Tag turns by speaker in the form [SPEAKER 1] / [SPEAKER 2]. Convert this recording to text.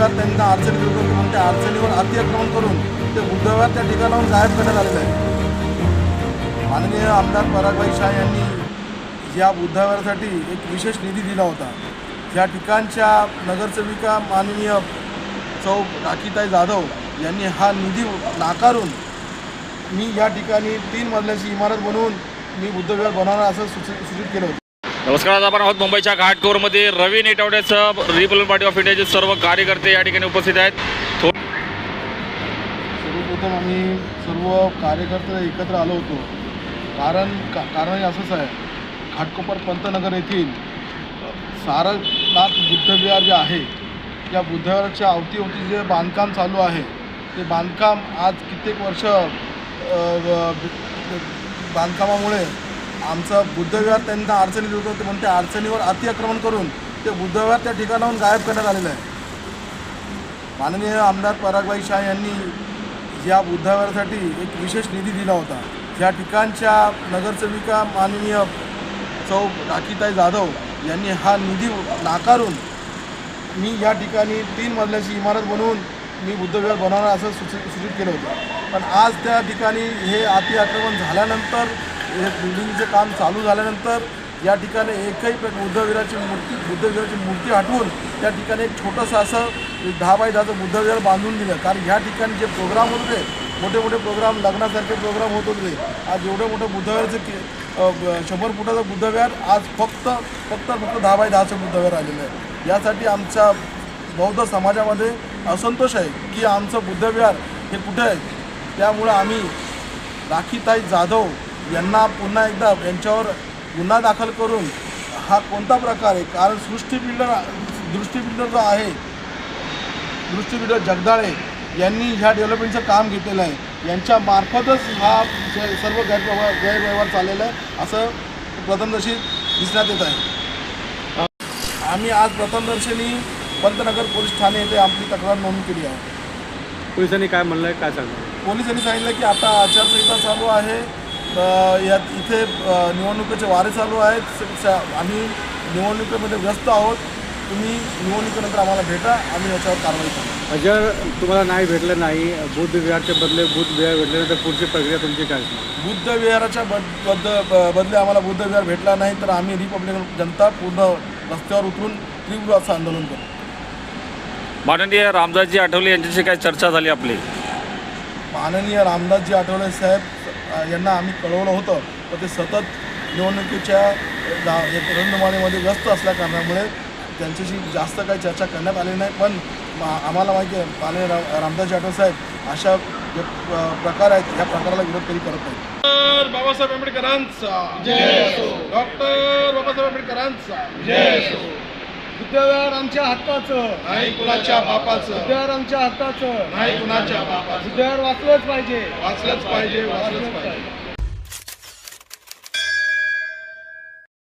[SPEAKER 1] बुद्धविहार त्यांना अडचणीत होतं म्हणून त्या अडचणीवर अतिक्रमण करून ते बुद्धविहार त्या ठिकाणाहून गायब करण्यात आलेलं आहे। माननीय आमदार परागभाई शाह यांनी या बुद्धविहारासाठी एक विशेष निधी दिला होता। या ठिकाणच्या नगरसेविका माननीय चौ राखीताई जाधव यांनी हा निधी नाकारून मी या ठिकाणी 3 मजल्याची इमारत बनवून मी बुद्धविहार बनवणार असं सूचित केलं होतं।
[SPEAKER 2] नमस्कार, आज आपण आहोत मुंबईच्या घाटकोरमध्ये। रवी नेटवड्याचं रिपब्लिकन पार्टी ऑफ इंडियाचे सर्व कार्यकर्ते या ठिकाणी उपस्थित आहेत।
[SPEAKER 1] सर्वप्रथम आम्ही सर्व कार्यकर्ते एकत्र आलो होतो कारण असंच आहे, घाटकोपर पंतनगर येथील सारनाथ बुद्धविहार जे आहे या बुद्धविहाराच्या अवतीभोवती जे बांधकाम चालू आहे ते बांधकाम आज कित्येक वर्ष बांधकामामुळे आमचं बुद्धविहार त्यांना अडचणीत होतं म्हणून त्या अडचणीवर अतिक्रमण करून ते बुद्धविहार त्या ठिकाणाहून गायब करण्यात आलेलं आहे। माननीय आमदार परागभाई शाह यांनी या बुद्धविहारासाठी एक विशेष निधी दिला होता। या ठिकाणच्या नगरसेविका माननीय चौ राखीताई जाधव यांनी हा निधी नाकारून मी या ठिकाणी 3 मजल्याची इमारत बनवून मी बुद्धविहार बनवणार असं सूचित केलं होतं। पण आज त्या ठिकाणी हे अतिक्रमण झाल्यानंतर, हे बिल्डिंगचं काम चालू झाल्यानंतर या ठिकाणी एकही बुद्धविहाराची मूर्ती हटवून त्या ठिकाणी एक छोटंसं असं 10 बाय 10चं बुद्धविहार बांधून दिलं। कारण ह्या ठिकाणी जे प्रोग्राम होत होते, मोठे प्रोग्राम, लग्नासारखे प्रोग्राम होत होते, आज एवढं मोठं बुद्धविहाराचं 100 फुटाचं बुद्धविहार आज फक्त 10 बाय 10चं बुद्धविहार आलेलं आहे। यासाठी आमच्या बौद्ध समाजामध्ये असंतोष आहे की आमचं बुद्धविहार हे कुठे आहे। त्यामुळं आम्ही राखीताई जाधव यांना पुन्हा एकदा यांच्यावर गुन्हा दाखल करून हा कोणता प्रकार आहे, कारण दृष्टी जो आहे, दृष्टी जगदाळे यांनी ह्या डेव्हलपमेंटचं काम घेतलेलं आहे। यांच्या मार्फतच हा सर्व गैरव्यवहार चाललेला आहे असं प्रथमदर्शी दिसण्यात येत आहे। आम्ही आज प्रथमदर्शनी पंतनगर पोलीस ठाणे येथे आपली तक्रार नोंद केली आहे।
[SPEAKER 3] पोलिसांनी काय म्हणलं आहे, काय सांगणार?
[SPEAKER 1] पोलिसांनी सांगितलं की आता आचारसंहिता चालू आहे, यात इथे निवडणुकीचे वारे चालू आहेत, आम्ही निवडणुकीमध्ये व्यस्त आहोत, तुम्ही निवडणुकीनंतर आम्हाला भेटा, आम्ही याच्यावर कारवाई करू।
[SPEAKER 3] जर तुम्हाला नाही भेटलं, नाही बुद्धविहारच्या बदले बुद्धविहार भेटले तर पुढची प्रक्रिया तुमची काय?
[SPEAKER 1] बुद्धविहाराच्या बदले आम्हाला बुद्धविहार भेटला नाही तर आम्ही रिपब्लिकन जनता पूर्ण रस्त्यावर उतरून तीव्र असं आंदोलन करू।
[SPEAKER 2] माननीय रामदासजी आठवले यांच्याशी काय चर्चा झाली आपली?
[SPEAKER 1] माननीय रामदासजी आठवले साहेब यांना आम्ही कळवलं होतं, पण ते सतत निवडणुकीच्या रणधुमाळीमध्ये व्यस्त असल्या कारणामुळे त्यांच्याशी जास्त काही चर्चा करण्यात आली नाही। पण आम्हाला माहिती आहे माननीय रामदासजी आठवले साहेब अशा प्रकार आहेत, या प्रकाराला विरोध कधी करत नाही। डॉक्टर बाबासाहेब आंबेडकरांचा जय असो, डॉक्टर बाबासाहेब आंबेडकरांचा जय असो।
[SPEAKER 4] बुद्धविहार आमच्या हक्काचं
[SPEAKER 1] नाही कुणाच्या बापाचं,
[SPEAKER 4] बुद्धविहार आमच्या हक्काचं
[SPEAKER 1] नाही कुणाच्या बापाचं,
[SPEAKER 4] बुद्धविहार वाचलंच पाहिजे,
[SPEAKER 1] वाचलंच पाहिजे।